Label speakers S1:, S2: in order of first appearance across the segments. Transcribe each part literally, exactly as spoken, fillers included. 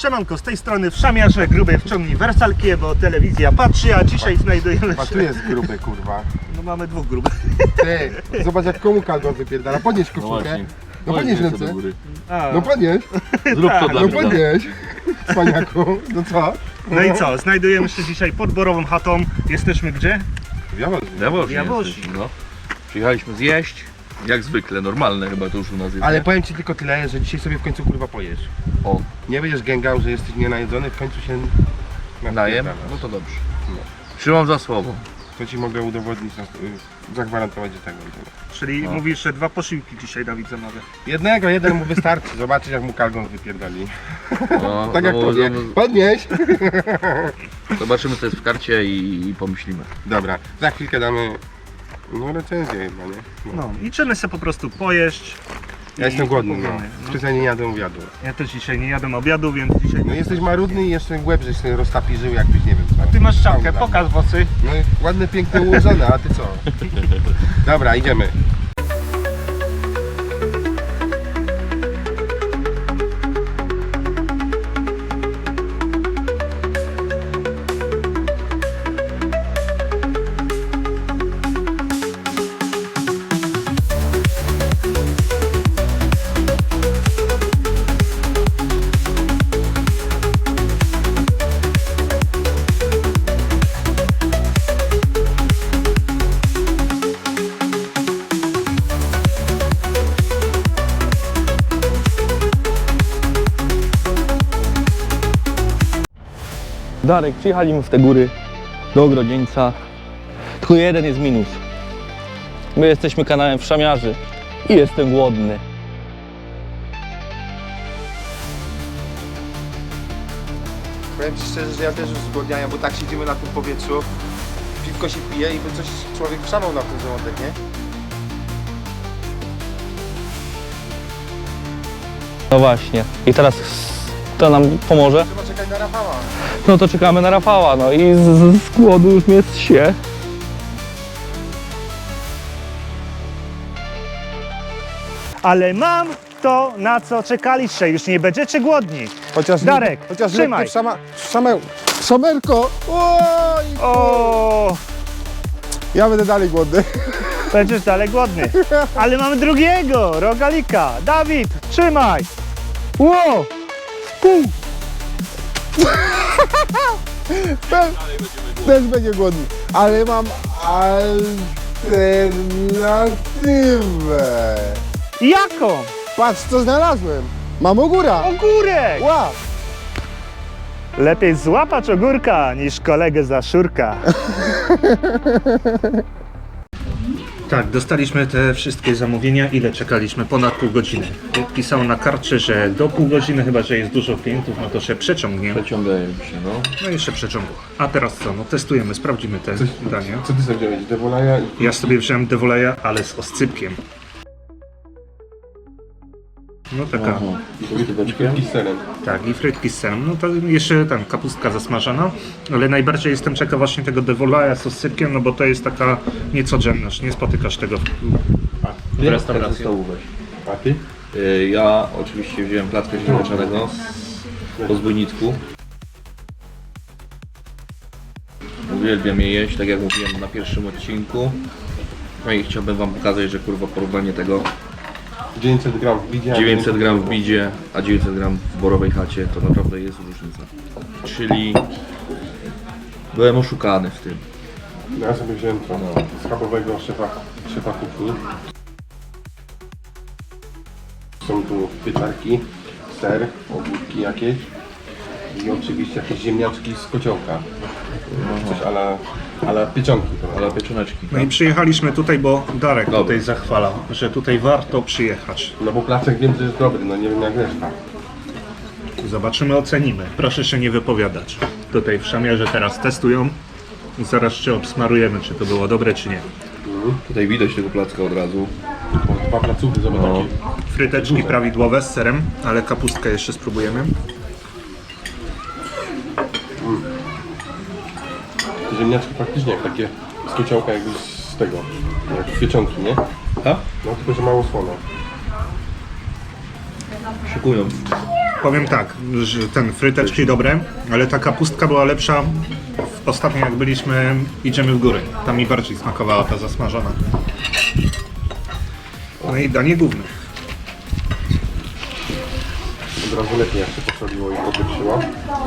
S1: Siemanko, z tej strony Wszamiarze, grube wciągnij wersalkie, bo telewizja patrzy, a dzisiaj znajdujemy
S2: A
S1: się...
S2: tu jest gruby, kurwa.
S1: No mamy dwóch grubych.
S2: Ty, zobacz jak komu kalgon wypierdala. Podnieś
S3: No
S2: koszulkę.
S3: właśnie.
S2: No podnieś
S3: Podnieś to do
S2: ręce.
S3: góry.
S1: A,
S2: No podnieś.
S3: Zrób to
S1: Tak,
S3: dla
S2: No
S3: mnie.
S2: podnieś. Cwaniaku. No co?
S1: no i co, znajdujemy się dzisiaj pod Borową chatą. Jesteśmy gdzie?
S2: Wiadomo.
S3: Jawoż,
S1: Jawoż.
S3: jesteśmy, no. Przyjechaliśmy zjeść, jak zwykle, normalne chyba to już u nas jest.
S2: Ale
S3: nie?
S2: powiem ci tylko tyle, że dzisiaj sobie w końcu kurwa pojesz.
S3: O,
S2: Nie będziesz gęgał, że jesteś nienajedzony, w końcu się
S3: najem?
S2: napierdalasz.
S3: No to dobrze.
S2: No.
S3: Trzymam za słowo.
S2: To ci mogę udowodnić, na- zagwarantować, że tego i tego.
S1: Czyli
S3: No.
S1: mówisz, że dwa posiłki dzisiaj Dawid zamawia.
S2: Jednego, jeden mu wystarczy. Zobaczyć jak mu kalgon wypierdali.
S3: No,
S2: Tak jak
S3: no,
S2: tobie.
S3: no,
S2: Podnieś.
S3: zobaczymy co jest w karcie i, i pomyślimy.
S2: Dobra, za chwilkę damy no recenzję chyba, nie? No.
S1: No i czyny sobie po prostu pojeść.
S2: Ja jestem
S1: i
S2: głodny, no.
S1: powiemy, no.
S2: Specjalnie nie jadłem obiadu.
S1: Ja też dzisiaj nie jadłem obiadu, więc dzisiaj...
S2: No jesteś marudny i jeszcze łeb, żeś sobie roztapirzył jakbyś nie wiem co.
S1: Ty masz czapkę,
S2: Dobra.
S1: pokaż włosy.
S2: No i ładne, piękne, ułożone, a ty co? Dobra, idziemy.
S4: Darek, przyjechaliśmy w te góry do Ogrodzieńca. Tylko jeden jest minus. My jesteśmy kanałem Wszamiarzy i jestem głodny.
S2: Powiem ci szczerze, że ja też już zgłodniałem, bo tak siedzimy na tym powietrzu. Piwko się pije i by coś człowiek wszamał na ten żołądek, nie?
S4: No właśnie. I teraz kto nam pomoże?
S2: Trzeba czekać na Rafała.
S4: No to czekamy na Rafała, no i z, z, z głodu już mnie się.
S1: Ale mam to, na co czekaliście, już nie będziecie głodni.
S2: Chociaż
S1: Darek,
S2: chociaż
S1: trzymaj.
S2: lekkie Szama, szamę, szamerko! Oj!
S1: O,
S2: Ja będę dalej głodny.
S1: będziesz dalej głodny. Ale mamy drugiego, rogalika. Dawid, trzymaj. Ło!
S2: Też, też będzie głodny. Ale mam alternatywę.
S1: Jaką?
S2: Patrz co znalazłem. Mam ogóra.
S1: Ogórek!
S2: Łap.
S1: Lepiej złapać ogórka niż kolegę za szurka. Tak, dostaliśmy te wszystkie zamówienia. Ile czekaliśmy? Ponad pół godziny. Pisało na karcie, że do pół godziny, chyba że jest dużo klientów, no to się przeciągnie.
S3: Przeciągają się, no.
S1: No i się przeciągło. A teraz co? No testujemy, sprawdzimy te dania.
S2: Co ty sobie wziąłeś? Devolaja i...
S1: Ja sobie wziąłem dewoleja, ale z oscypkiem. No taka,
S3: Aha. I fryteczkiem.
S2: I z serem.
S1: tak, i frytki z serem. No to jeszcze tam kapustka zasmażana, ale najbardziej jestem ciekaw właśnie tego dewoleja z oscypkiem, no bo to jest taka niecodzienność, nie spotykasz tego w, w restauracji.
S3: Ze stołu weź.
S2: A ty?
S3: Y, Ja oczywiście wziąłem plackę ziemniaczanego po zbójnicku. Uwielbiam je jeść, tak jak mówiłem na pierwszym odcinku. No i chciałbym wam pokazać, że kurwa porównanie tego
S2: dziewięćset gram w bidzie. a
S3: dziewięćset gram w bidzie, a dziewięćset gram w borowej chacie, to naprawdę jest różnica. Czyli byłem oszukany w tym.
S2: Ja sobie wziąłem to
S3: No.
S2: schabowego szefa, szefa kuchni. Są tu pieczarki, ser, ogórki jakieś i oczywiście jakieś ziemniaczki z kociołka. Coś ala, ala pieczonki.
S3: Ale pieczoneczki.
S1: No i przyjechaliśmy tutaj, bo Darek
S3: Dobra.
S1: tutaj zachwalał, że tutaj warto przyjechać.
S2: No bo placek wiem, że jest dobry, no nie wiem jak reszta.
S1: Zobaczymy, ocenimy. Proszę się nie wypowiadać. Tutaj w Wszamiarze teraz testują i zaraz się obsmarujemy, czy to było dobre, czy nie.
S3: Tutaj widać tego placka od razu.
S2: Bo dwa placówki, zobacz
S3: No.
S2: takie.
S1: Fryteczki prawidłowe z serem, ale kapustkę jeszcze spróbujemy.
S2: Te ziemniaczki faktycznie jak takie z kociołka jakby z tego, jak pieczonki, nie?
S3: A?
S2: No tylko, że mało słone.
S3: Szykują.
S1: Powiem tak, że ten fryteczki dobre, ale ta kapustka była lepsza w- ostatnio jak byliśmy Idziemy w góry. Tam mi bardziej smakowała ta zasmażona. No i danie główne.
S2: Od razu lepiej jak się posoliło i popieprzyło.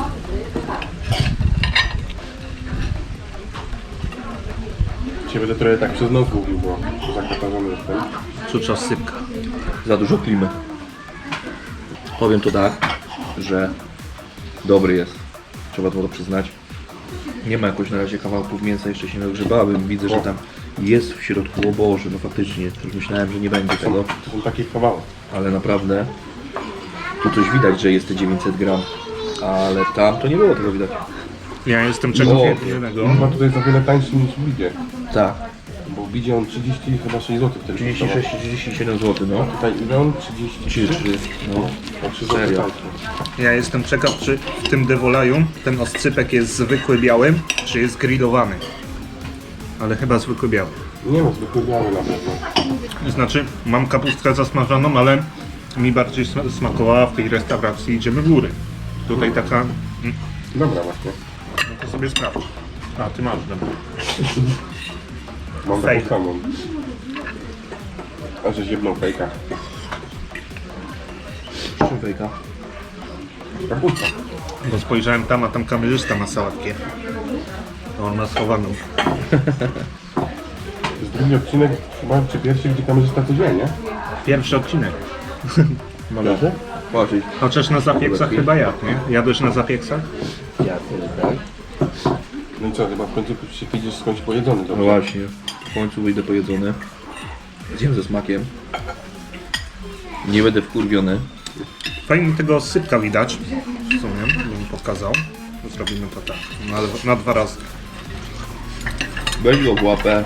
S2: Cię będę trochę tak przez nos mówił, bo zakatarzony jestem.
S1: Czucza sypka.
S3: Za dużo klimy. Powiem to tak, że dobry jest. Trzeba to przyznać. Nie ma jakoś na razie kawałków mięsa, jeszcze się nie dogrzebałem. Widzę, że tam jest w środku, o Boże, no faktycznie. Już myślałem, że nie będzie
S2: To
S3: tego,
S2: są, to są takie kawały.
S3: ale naprawdę tu coś widać, że jest te dziewięćset gram. Ale tam to nie było tego widać.
S1: Ja jestem czegoś
S3: O,
S1: jednego.
S2: On ma tutaj za wiele tańszy niż w Bidzie.
S3: Tak.
S2: Bo w Bidzie on trzydzieści chyba sześć złotych wtedy
S3: trzydzieści
S2: kosztował.
S3: sześć trzydzieści siedem złotych, no.
S2: Tutaj ile on? trzydzieści trzy?
S3: No.
S2: O trzy złote
S3: Serio.
S2: tańszy.
S1: Ja jestem ciekaw, czy w tym devolaju ten oscypek jest zwykły biały, czy jest grillowany. Ale chyba zwykły biały.
S2: Nie no, zwykły biały na pewno.
S1: Znaczy, mam kapustkę zasmażoną, ale mi bardziej sma- smakowała w tej restauracji Idziemy w góry. Tutaj taka... mm,
S2: Dobra właśnie.
S1: No to sobie sprawdź. A, ty masz, dobra.
S2: Mam
S1: Fake.
S2: taką samą. A że zjebną fejka.
S3: Człowieka.
S2: Kapusta.
S1: Bo spojrzałem tam, a tam kamerzysta ma sałatkę. To on ma schowaną.
S2: To jest drugi odcinek, chyba czy pierwszy, gdzie kamerzysta coś wie, nie?
S1: Pierwszy odcinek.
S2: Malarze?
S3: Patrzeć.
S1: Chociaż na zapieksach chyba jadł, nie? Jadłeś na zapieksach?
S3: Ja tak.
S2: No i co, chyba w końcu się wyjdziesz skądś pojedzony,
S3: No
S2: dobrze?
S3: właśnie. W końcu wyjdę pojedzony. Zjem ze smakiem. Nie będę wkurwiony.
S1: Fajnie tego sypka widać. W sumie, bym pokazał. Zrobimy to tak. Na, na dwa razy.
S3: Weź go w łapę.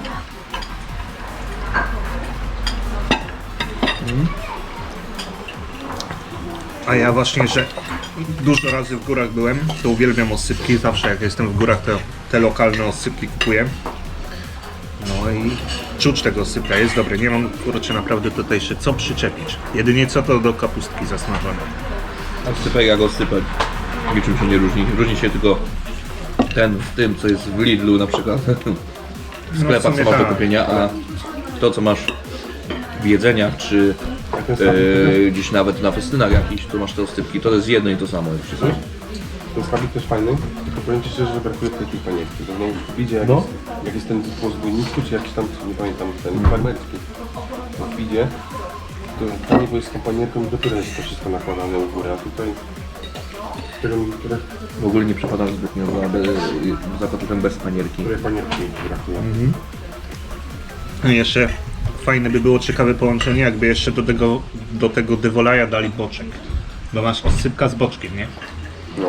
S1: A ja właśnie, że dużo razy w górach byłem, to uwielbiam oscypki. Zawsze jak jestem w górach, to te lokalne oscypki kupuję. No i czuć tego oscypka jest dobry. Nie mam, kurczę, naprawdę tutaj się co przyczepić. Jedynie co to do kapustki zasmażonej.
S3: Oscypek jak oscypek. Niczym się nie różni. Różni się tylko ten w tym, co jest w Lidlu na przykład. W sklepach,
S1: sumie
S3: co masz do
S1: tak.
S3: kupienia, a to, co masz w jedzeniach, czy
S2: to jest
S3: e, gdzieś nawet na festynach jakichś, to masz te oscypki. To jest jedno i to samo. Jak wszystko.
S2: Ten skarbik też fajny, tylko powiem Ci szczerze, że brakuje tej panierki. Bo nie widzę jak,
S3: No.
S2: jest, jak jest ten po zbójnicku, czy jakiś tam, nie pamiętam, ten farmerski. W widzie, to fajnie, bo jest z tą panierką i dopiero jest to wszystko nakładane u góry, a tutaj tego mi które,
S3: W ogóle nie przepadam zbytnio za, be, za kotletem bez panierki.
S2: które panierki brakuje.
S1: No i jeszcze fajne by było ciekawe połączenie, jakby jeszcze do tego, do tego devolaja dali boczek. Bo masz oscypka z boczkiem, nie?
S2: No.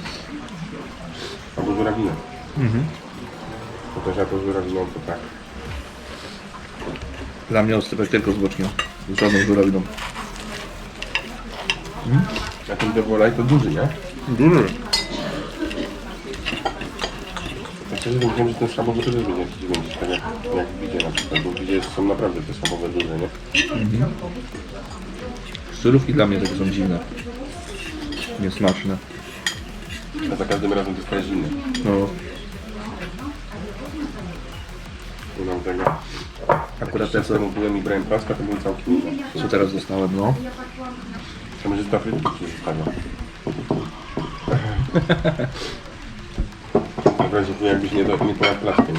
S2: Albo żurawinę. Mhm. To też ja to żurawiną to tak.
S3: Dla mnie oscypek tylko z boczkiem. Z żadną żurawiną.
S2: A ten devolaj to duży, nie?
S1: Duży.
S2: Ja szczerze wiem, że ten schabowy też będzie jakiś większy, tak jak, jak w Bidzie na przykład, bo w Bidzie są naprawdę te schabowe duże, nie?
S3: Syrówki dla mnie takie są dziwne. Niesmaczne.
S2: A za każdym razem dostajesz inny.
S3: No,
S2: Nie mam tego.
S3: akurat te
S2: Czas
S3: co,
S2: temu byłem i brałem plaska, to były całkiem inne.
S3: co teraz dostałem, no.
S2: Kamerzysta frytki ci zostawia. W razie tu jakbyś nie, do, nie pojadł plaskiem.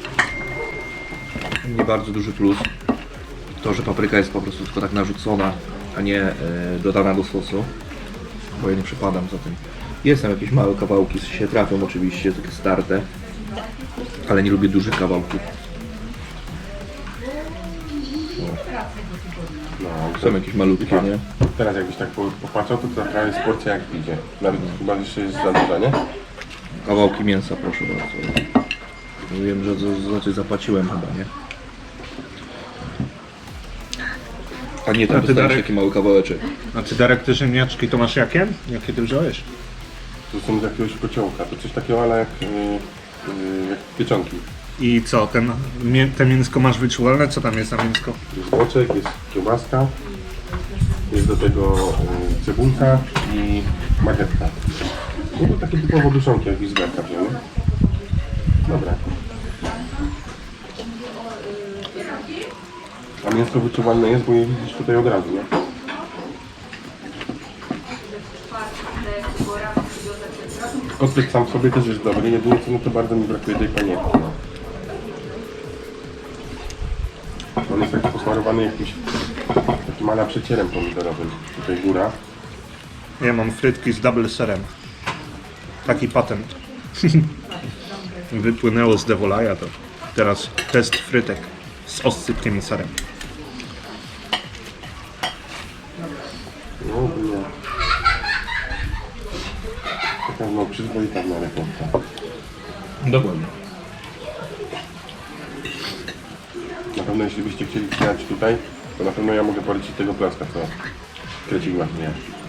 S3: Nie bardzo duży plus. To, że papryka jest po prostu tylko tak narzucona, a nie e, dodana do sosu. Bo ja nie przepadam za tym. Jest tam jakieś małe kawałki, się trafią oczywiście, takie starte. Ale nie lubię dużych kawałków.
S2: No, ale
S3: Są jakieś malutkie, nie?
S2: teraz jakbyś tak po- popatrzał, to taka jest porcja jak w Bidzie. Nawet chyba jeszcze jest za duża, nie?
S3: Kawałki mięsa, proszę bardzo. Wiem, że za, za coś zapłaciłem chyba, nie? A nie,
S1: A
S3: tam
S1: ty,
S3: dostałem
S1: Darek?
S3: taki mały kawałeczek.
S1: A ty, Darek, te ziemniaczki to masz jakie? Jakie ty wziąłeś?
S2: To są z jakiegoś kociołka. To coś takiego, ale jak, yy, yy, jak pieczonki.
S1: I co, ten, mię- te mięsko masz wyczuwalne? Co tam jest za mięsko?
S2: Jest boczek, jest kiełbaska. Jest do tego cebulka i marchetka. No to takie typowo duszonki, jak Wizberka wzięły. Dobra. A mięsko wyczuwalne jest, bo je widzisz tutaj od razu, nie? Kotlet sam w sobie też jest dobry, jedynie co no to bardzo mi brakuje tej panierki. No. On jest taki posmarowany jakimś takim ala przecierem pomidorowym. Tutaj góra.
S1: Ja mam frytki z double serem. Taki patent. Wypłynęło z Devolaja, to teraz test frytek z oscypkiem i serem.
S2: No nie. Taka no przyzwoita w miarę porcja.
S3: Dokładnie.
S2: Na pewno jeśli byście chcieli przyjechać tutaj, to na pewno ja mogę polecić tego placka, co Krecik właśnie.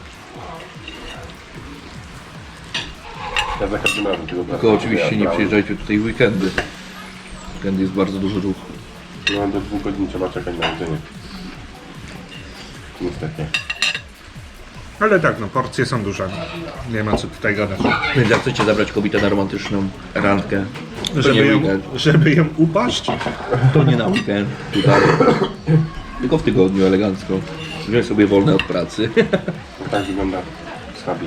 S2: Ja za każdym razem tego placka.
S3: Tylko oczywiście nie
S2: brałem.
S3: przyjeżdżajcie tutaj w weekendy. W weekendy jest bardzo duży ruch.
S2: No do dwóch godzin trzeba czekać na jedzenie. Niestety.
S1: Ale tak, no porcje są duże. Nie ma co tutaj gadać.
S3: Więc jak chcecie zabrać kobietę na romantyczną randkę, to
S1: Żeby
S3: nie
S1: ją,
S3: weekend,
S1: żeby ją upaść?
S3: to nie na weekend tutaj. Tylko w tygodniu elegancko. Wziąć sobie wolne od pracy.
S2: Tak wygląda schabik.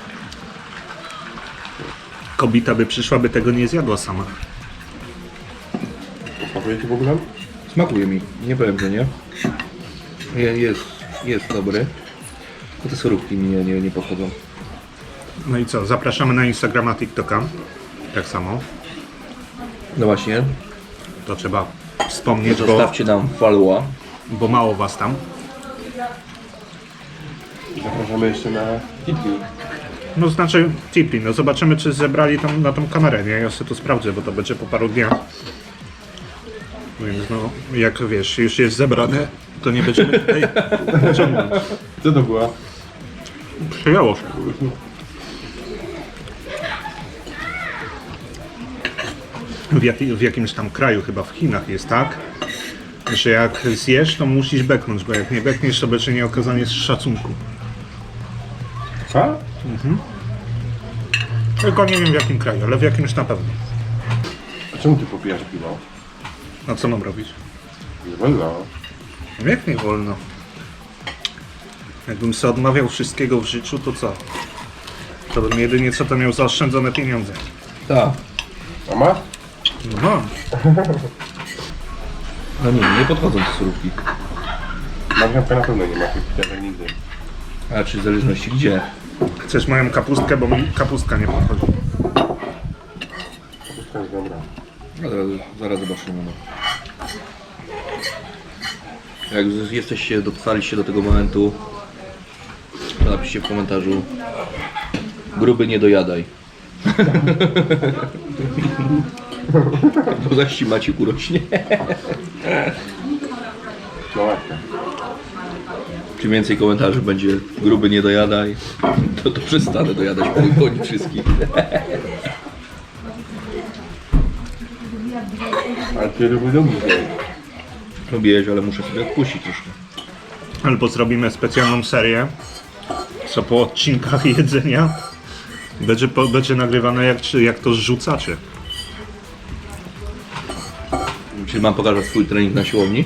S1: Kobieta by przyszła, by tego nie zjadła sama.
S2: Smakuje ci w ogóle?
S3: Smakuje mi, nie powiem, że nie. Je- Jest, jest dobry. Tylko te surówki mi nie, nie, nie podchodzą.
S1: No i co, zapraszamy na Instagrama, TikToka. Tak samo.
S3: No właśnie,
S1: To trzeba wspomnieć, bo,
S3: zostawcie nam followa.
S1: bo mało was tam.
S2: Zapraszamy jeszcze na Tipi.
S1: No znaczy Tipi, no zobaczymy czy zebrali tam na tą kamerę, nie? Ja sobie to sprawdzę, bo to będzie po paru dniach. Więc no, jak wiesz, już jest zebrane, to nie będziemy tutaj ciągnąć.
S2: Co to była?
S1: Przyjęło się. W, jak, w jakimś tam kraju, chyba w Chinach jest tak, że jak zjesz, to musisz beknąć, bo jak nie bekniesz, to będzie nieokazanie szacunku.
S2: A?
S1: Tylko nie wiem w jakim kraju, ale w jakimś na pewno.
S2: A czemu ty popijasz piwo?
S1: A co mam robić?
S2: Nie wolno.
S1: Jak nie wolno? Jakbym sobie odmawiał wszystkiego w życiu, to co? To bym jedynie co to miał zaoszczędzone pieniądze.
S3: Tak.
S2: A masz?
S1: No mam.
S3: No nie, nie podchodzą te surówki.
S2: Marchewka na pewno nie ma tych piciatek nigdy.
S3: A czy w zależności gdzie?
S1: Chcesz moją kapustkę, bo mi kapustka nie podchodzi.
S2: Wszystko jest dobra.
S3: No zaraz, zaraz zobaczymy. No. Jak z- jesteście, dotrwaliście do tego momentu, to napiszcie w komentarzu: gruby nie dojadaj. Bo zaś ci Maciek urośnie.
S2: No ładnie.
S3: Czym więcej komentarzy będzie gruby nie dojadaj, to, to przestanę dojadać po koni wszystkich.
S2: Ale ty lubisz lubisz jej.
S3: Lubię jeść, ale muszę sobie odpuścić troszkę.
S1: Albo zrobimy specjalną serię, co po odcinkach jedzenia będzie, po, będzie nagrywane jak, czy- jak to zrzucacie.
S3: Czyli mam pokazać swój trening na siłowni?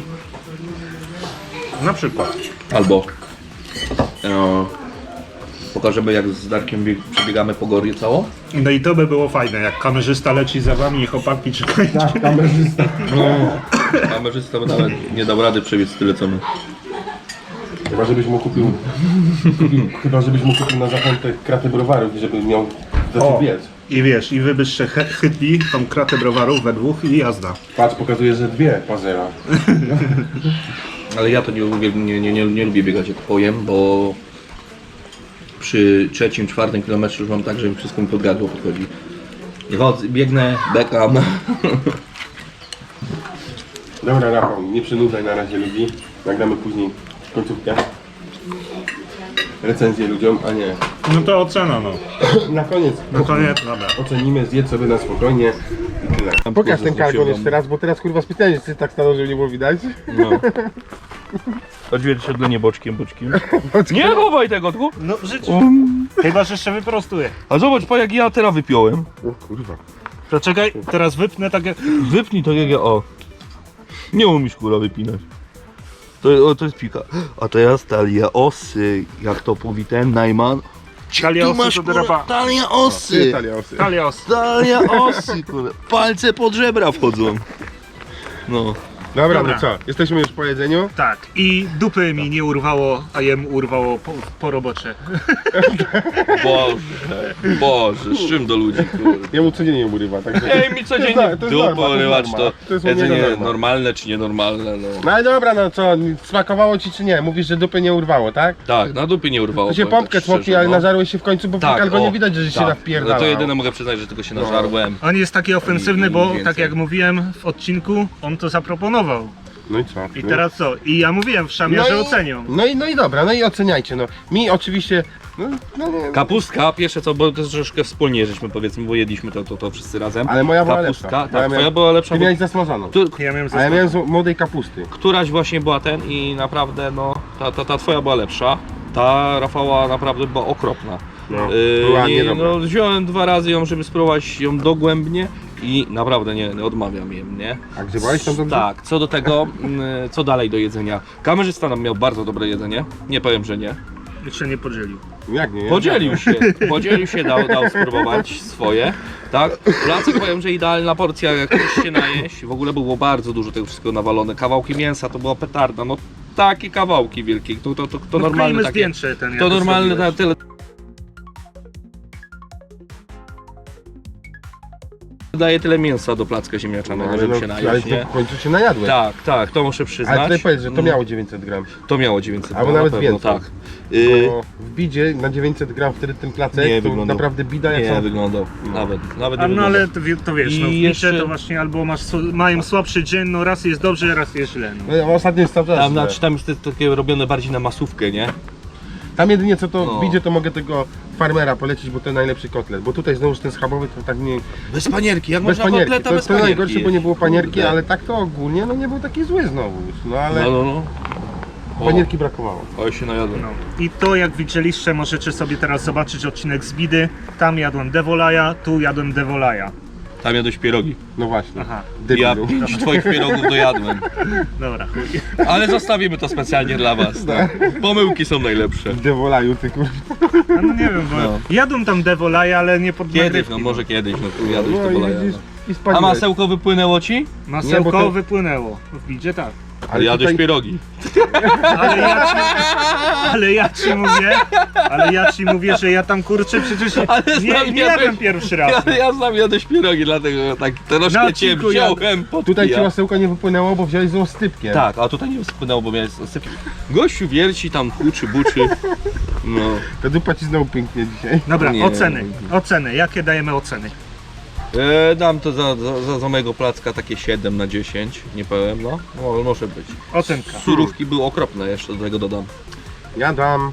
S1: Na przykład.
S3: Albo e, pokażemy, jak z Darkiem bieg- przebiegamy po Gorię całą.
S1: No i to by było fajne, jak kamerzysta leci za wami i chłopaki czekają.
S2: Tak, kamerzysta.
S3: Kamerzysta by nawet nie dał rady przebiec tyle co my.
S2: Chyba żebyś mu kupił... Chyba żebyś mu kupił na zachętę kratę browarów, żeby miał za co
S1: O,
S2: biec.
S1: i wiesz, i wy byście chy- chytli tą kratę browarów we dwóch i jazda.
S2: Patrz, pokazuje, że dwie pazera.
S3: Ale ja to nie lubię, nie, nie, nie, nie lubię biegać jak pojem, bo przy trzecim, czwartym kilometrze już mam tak, że mi wszystko mi pod gardło podchodzi. I chodzę, biegnę, bekam.
S2: Dobra, Rafał, nie przynudzaj na razie ludzi. Nagramy później końcówkę. Recenzję ludziom, a nie.
S1: No to ocena, no.
S2: Na koniec
S1: No koniec, dobra.
S2: ocenimy, zjedz sobie na spokojnie i tyle. Pokaż ten kargon jeszcze raz, bo teraz kurwa specjalnie tak stanął, żeby nie było widać.
S3: No. Odzwierciedlenie boczkiem, boczkiem. Nie chowaj tego, tu.
S1: No w życiu. Chyba, że jeszcze wyprostuję.
S3: A zobacz, pa jak ja teraz wypiąłem.
S2: O kurwa.
S1: To czekaj, teraz wypnę tak jak...
S3: Wypnij tak jak ja, o. Nie umiesz kurwa wypinać. To, o, to jest pika. A to ja talia osy, jak to mówi ten Najman.
S1: Talia
S3: Tu
S1: osy
S3: masz,
S1: to
S3: kurwa,
S1: drapa.
S3: talia
S2: Ty,
S3: osy.
S2: talia osy.
S1: Talia osy.
S3: Talia osy, kurwa. Palce pod żebra wchodzą. No.
S2: Dobra,
S1: Dobra.
S2: no co? Jesteśmy już po jedzeniu.
S1: Tak, i dupy mi nie urwało, a jemu urwało po, po robocie.
S3: Boże, Boże, z czym do ludzi, kurwa.
S2: Jemu codziennie urywa, także...
S3: Ej, mi codziennie
S2: To jest
S3: dupę
S2: norma, to jest
S3: urywać,
S2: norma.
S3: to
S2: To jest u niego
S3: jedzenie
S2: norma.
S3: normalne czy nienormalne, no.
S2: No ale dobra, no co, smakowało ci czy nie? Mówisz, że dupy nie urwało, tak?
S3: Tak, na dupy nie urwało.
S2: To się
S3: powiem
S2: pompkę
S3: tak szczerze,
S2: smokli, ale
S3: no.
S2: nażarłeś się w końcu, bo
S3: Tak,
S2: albo
S3: o,
S2: nie widać, że się
S3: tak.
S2: napierdala.
S3: No to jedyne mogę przyznać, że tylko się
S2: No.
S3: nażarłem.
S1: On jest taki ofensywny,
S3: I- i
S1: bo
S3: więcej.
S1: tak jak mówiłem w odcinku, on to zaproponował.
S2: No i co?
S1: I
S2: No.
S1: teraz co? I ja mówiłem w szamie, że
S2: i-
S1: ocenią.
S2: No i, no i dobra, no i oceniajcie, no. Mi oczywiście, no, no nie,
S3: Kapustka, pierwsze co, bo to jest troszkę wspólnie żeśmy powiedzmy, bo jedliśmy to, to, to wszyscy razem.
S2: ale moja była
S3: Kapustka,
S2: lepsza.
S3: tak,
S2: Moja
S3: twoja
S2: miała-
S3: była lepsza,
S2: Ty
S3: bo
S2: miałeś zasmażaną.
S3: tu,
S1: Ja miałem
S2: A ja
S1: zestaw.
S2: miałem z młodej kapusty.
S3: któraś właśnie była ten i naprawdę no, ta, ta, ta twoja była lepsza. Ta Rafała naprawdę była okropna.
S2: No,
S3: Yy,
S2: była
S3: nie,
S2: niedobra.
S3: no, wziąłem dwa razy ją, żeby spróbować ją dogłębnie i naprawdę nie, nie odmawiam jej, nie?
S2: A grzebałeś tam dobrze?
S3: Tak, co do tego, mm, co dalej do jedzenia. Kamerzysta nam miał bardzo dobre jedzenie, nie powiem, że nie.
S1: Jeszcze nie podzielił.
S2: Jak nie?
S3: Podzielił się, podzielił się, dał, dał spróbować swoje, tak? Placek powiem, że idealna porcja, jak ktoś się najeść, w ogóle było bardzo dużo tego wszystkiego nawalone, kawałki mięsa, to była petarda, no takie kawałki wielkie, to, to, to, to
S1: No
S3: normalne
S1: wkleimy
S3: takie,
S1: zdjęcie ten, jak
S3: to normalne
S1: zrobiłeś.
S3: ta, tyle. Daje tyle mięsa do placka ziemniaczanego,
S2: ale,
S3: żeby
S2: no,
S3: się
S2: ale
S3: najeść,
S2: to
S3: nie?
S2: w końcu się najadłeś.
S3: Tak, tak, to muszę
S2: Ale
S3: przyznać.
S2: tutaj powiedz, że to
S3: Mm,
S2: miało dziewięćset gram.
S3: To miało dziewięćset
S2: Albo
S3: gram,
S2: nawet
S3: na pewno,
S2: więcej.
S3: tak. Y,
S2: Bo w bidzie na dziewięćset gram wtedy ten placek,
S3: Nie
S2: to
S3: wyglądał.
S2: naprawdę bida jak
S3: nie
S2: są...
S3: wyglądał, nawet, nawet
S1: A
S3: nie
S1: no
S3: wyglądał.
S1: ale to, wie- to wiesz,
S3: I
S1: no w
S3: jeszcze-
S1: jeszcze... to właśnie albo masz, sł- mają słabszy dzień, no raz jest dobrze, raz jest źle. No.
S2: No, ostatnio jest cały czas
S3: Tam,
S2: źle.
S3: znaczy, tam jest to takie robione bardziej na masówkę, nie?
S2: Tam jedynie co to
S3: No.
S2: w bidzie, to mogę tego farmera polecić, bo to najlepszy kotlet. Bo tutaj znowu ten schabowy to tak nie...
S3: Bez panierki, jak
S2: Bez
S3: można
S2: panierki.
S3: kotleta
S2: To,
S3: bez
S2: to
S3: panierki
S2: najgorsze, bo nie
S3: jeść?
S2: było panierki,
S3: Kurde.
S2: ale tak to ogólnie no nie był taki zły znowu. No ale
S3: No, no, no. O,
S2: panierki brakowało.
S3: oj się najadłem.
S1: No. I to jak widzieliście, możecie sobie teraz zobaczyć odcinek z Bidy. Tam jadłem Devolaja, tu jadłem Devolaja.
S3: Tam jadłeś pierogi.
S2: No właśnie.
S1: Aha,
S3: Ja
S2: Debilu.
S3: pięć twoich pierogów dojadłem.
S1: dobra. chuj.
S3: Ale zostawimy to specjalnie dla was. No. Pomyłki są najlepsze.
S2: W Devolaju, ty kurwa.
S1: A no nie wiem, bo
S3: No.
S1: jadłem tam Devolaja, ale nie pod
S3: Kiedyś,
S1: nagrywki,
S3: no
S1: bo
S3: może kiedyś, no tu jadłeś
S2: No
S3: to
S2: i
S3: bolaja.
S2: widzisz, i
S3: A
S2: spaliłeś.
S3: masełko wypłynęło ci?
S1: Masełko
S2: Nie, bo to-
S1: wypłynęło. W Bidzie tak.
S2: Ale
S3: Jadłeś
S2: tutaj-
S3: pierogi.
S1: Ale ja ci, ale ja ci mówię, ale ja ci mówię, że ja tam kurczę przecież
S3: Ale
S1: nie,
S3: znam,
S1: nie
S3: ja
S1: jadłem
S3: też-
S1: pierwszy raz.
S3: Ja, ja znam jadłeś pierogi, dlatego tak
S1: Na
S3: troszkę cię
S1: odcinku
S3: wziąłem pod
S2: Tutaj ci
S3: kija.
S2: masełko nie wypłynęło, bo wziąłeś z ostypkiem.
S3: Tak, a tutaj nie spłynęło, bo miałeś sypki. Gościu wierci tam, huczy, buczy. No.
S2: Ta dupa ci znowu pięknie dzisiaj.
S1: Dobra,
S3: Nie.
S1: oceny, oceny, jakie dajemy oceny?
S3: E, dam to za, za, za, za mojego placka takie siedem na dziesięć, nie powiem, no. No, ale może być.
S1: Ocenka.
S3: Surówki były okropne, jeszcze do tego dodam.
S2: Ja dam...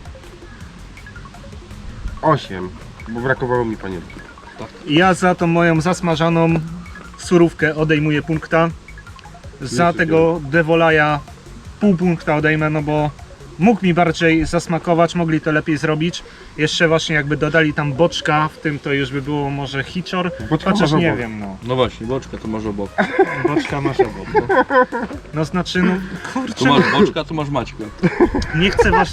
S2: osiem, bo brakowało mi panierki.
S1: Ja za tą moją zasmażaną surówkę odejmuję punkta. Za
S2: Jeszcze
S1: tego Devolaja pół punkta odejmę, no bo mógł mi bardziej zasmakować, mogli to lepiej zrobić. Jeszcze właśnie jakby dodali tam boczka, w tym to już by było może hicior,
S2: Boczka
S1: chociaż
S2: masz
S1: nie
S2: obok.
S1: wiem, no.
S3: No właśnie, boczka to masz obok.
S1: Boczka masz obok. No, no znaczy, no kurczę,
S3: Tu masz boczka, tu masz Maćka.
S1: nie chcę was...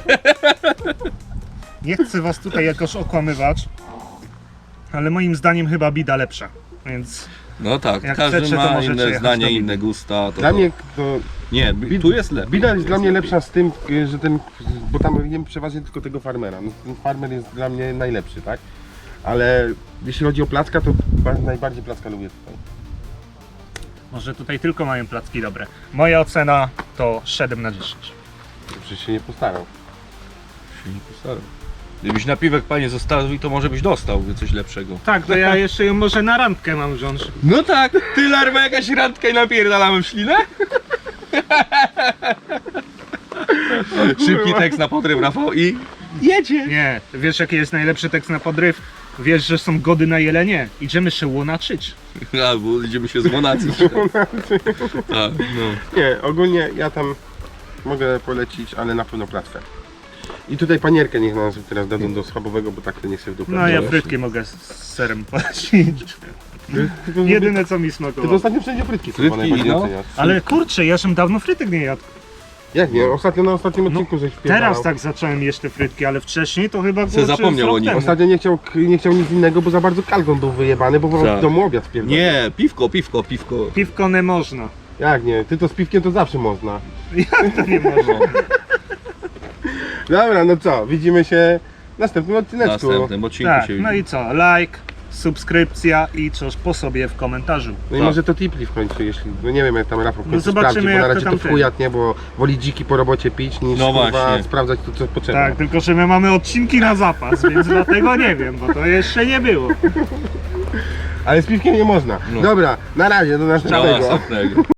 S1: Nie chcę was tutaj jakoś okłamywać, ale moim zdaniem chyba Bida lepsza, więc...
S3: No tak,
S1: Jak
S3: każdy
S1: chcecie, to
S3: ma
S1: możecie
S3: inne
S1: jechać
S3: zdanie,
S1: do Bidy.
S3: inne gusta. To,
S2: Dla
S3: to...
S2: mnie to...
S3: Nie, bi- tu jest lepiej.
S2: Bida jest
S3: Tu
S2: dla mnie lepsza z tym, y, że ten... Bo tam jem przeważnie tylko tego farmera. No, ten farmer jest dla mnie najlepszy, tak? Ale jeśli chodzi o placka, to ba- najbardziej placka lubię tutaj.
S1: Może tutaj tylko mają placki dobre. Moja ocena to siedem na dziesięć.
S2: Przecież się nie postarał.
S3: Się nie postarał. Gdybyś napiwek panie zostawił, to może byś dostał coś lepszego.
S1: Tak, to ja jeszcze ją może na randkę mam wziąć.
S3: No tak, ty larwa jakaś randka i napierdalamy w ślinę? Szybki tekst na podryw, Rafał, i jedzie.
S1: Nie, wiesz jaki jest najlepszy tekst na podryw? Wiesz, że są gody na jelenie. Idziemy się łonaczyć.
S3: Albo idziemy się złonacić. Tak, no.
S2: Nie, ogólnie ja tam mogę polecić, ale na pewno płatwę. I tutaj panierkę niech nam teraz dadzą do schabowego, bo tak to nie chcę w dupę.
S1: No ja
S2: wziąć.
S1: frytki mogę z z serem polecić.
S2: Ty- tylko-
S1: Jedyne co mi
S2: Ty to
S1: smakowało.
S2: ostatnio wszędzie frytki,
S3: Frytki,
S2: chyba najbardziej
S3: no.
S2: oceniasz.
S1: Ale kurczę, ja żem dawno frytek nie jadł.
S2: Jak nie? Ostatnio na ostatnim odcinku żeś wpierdalał.
S1: Teraz tak zacząłem jeść te frytki, ale wcześniej to chyba
S3: Se
S1: było
S3: zapomniał
S1: rok
S3: o nich.
S1: temu.
S2: Ostatnio nie chciał, nie chciał nic innego, bo za bardzo kalgon był wyjebany, bo
S3: Tak.
S2: w domu obiad wpierdalał.
S3: Nie, piwko, piwko, piwko.
S1: Piwko nie można.
S2: Jak nie? Ty to z piwkiem to zawsze można.
S1: Jak to nie można?
S2: Dobra, no co? Widzimy się w następnym
S3: W
S2: odcineczku.
S3: następnym odcinku
S1: Tak,
S3: się
S1: no
S3: widzimy.
S1: i co? Like, subskrypcja i coś po sobie w komentarzu.
S2: No i
S3: Tak.
S2: może to tipli w końcu, jeśli, no nie wiem jak tam Rafał w
S1: No
S2: końcu
S1: zobaczymy,
S2: sprawdzi, bo
S1: jak
S2: na
S1: to
S2: razie to,
S1: tam
S2: w
S1: ten.
S2: chujat, nie, bo woli dziki po robocie pić niż
S3: No
S2: kurwa,
S3: właśnie.
S2: sprawdzać tu co potrzeba.
S1: Tak, tylko że my mamy odcinki na zapas, więc dlatego nie wiem, bo to jeszcze nie było.
S2: Ale z piwkiem nie można.
S3: No.
S2: Dobra, na razie, do
S3: Do
S2: następnego.
S3: następnego.